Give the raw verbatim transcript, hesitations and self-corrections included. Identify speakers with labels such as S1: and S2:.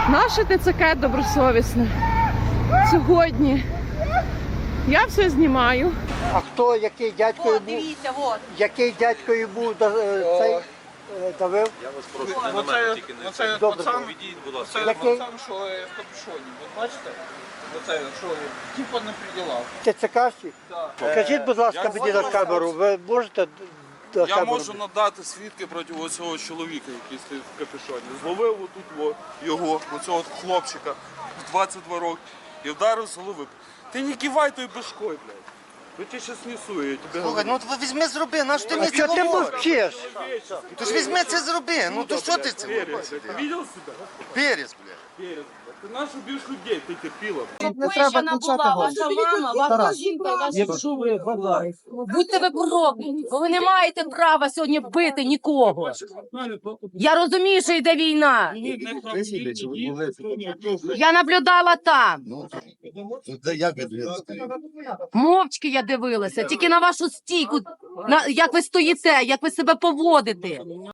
S1: Наше ТЦК добросовісне. Сьогодні я все знімаю.
S2: А хто, який дядькою
S3: От,
S2: був?
S3: дивіться, от.
S2: Який дядькою був да- е, цей е, давив?
S4: Я вас прошу, не на мене, тільки не
S5: Оце
S4: це.
S2: Добре.
S5: пацан,
S4: Відійдіть, будь ласка.
S5: це
S2: Який?
S5: пацан, що е, в капюшоні. Ви бачите? Оце, що типа не приділав.
S2: ТЦКші?
S5: Так.
S2: Скажіть, будь ласка,
S5: Я
S2: мені на
S5: можу-
S2: камеру, ви можете до
S5: Я
S2: камеру?
S5: можу надати свідки проти цього чоловіка, який стоїть в капюшоні. Зловив отут о, його, оцього от хлопчика в двадцять два роки і вдарив з голови. Ти не кивай той башкой, блядь. Я тебе зараз несу, я тебе
S6: Слухай, ну от візьми зроби, на що ти
S2: А
S6: мені це
S2: що ти
S6: говориш?
S2: мовчиш?
S6: Ти ж візьми це зроби, ну то що ти це
S5: Перец,
S6: робиш?
S5: блядь. Ти видел себя?
S6: Перець, бля.
S5: Перец, блядь. Ти наш уб'єш людей, ти терпіла.
S3: Вишена була ваша мама, ваша жінка, і ваша... Будьте ви прокляті, бо ви не маєте права сьогодні бити нікого. Я розумію, що йде війна. Я наблюдала там. Мовчки я дивилася, тільки на вашу стійку, на, як ви стоїте, як ви себе поводите.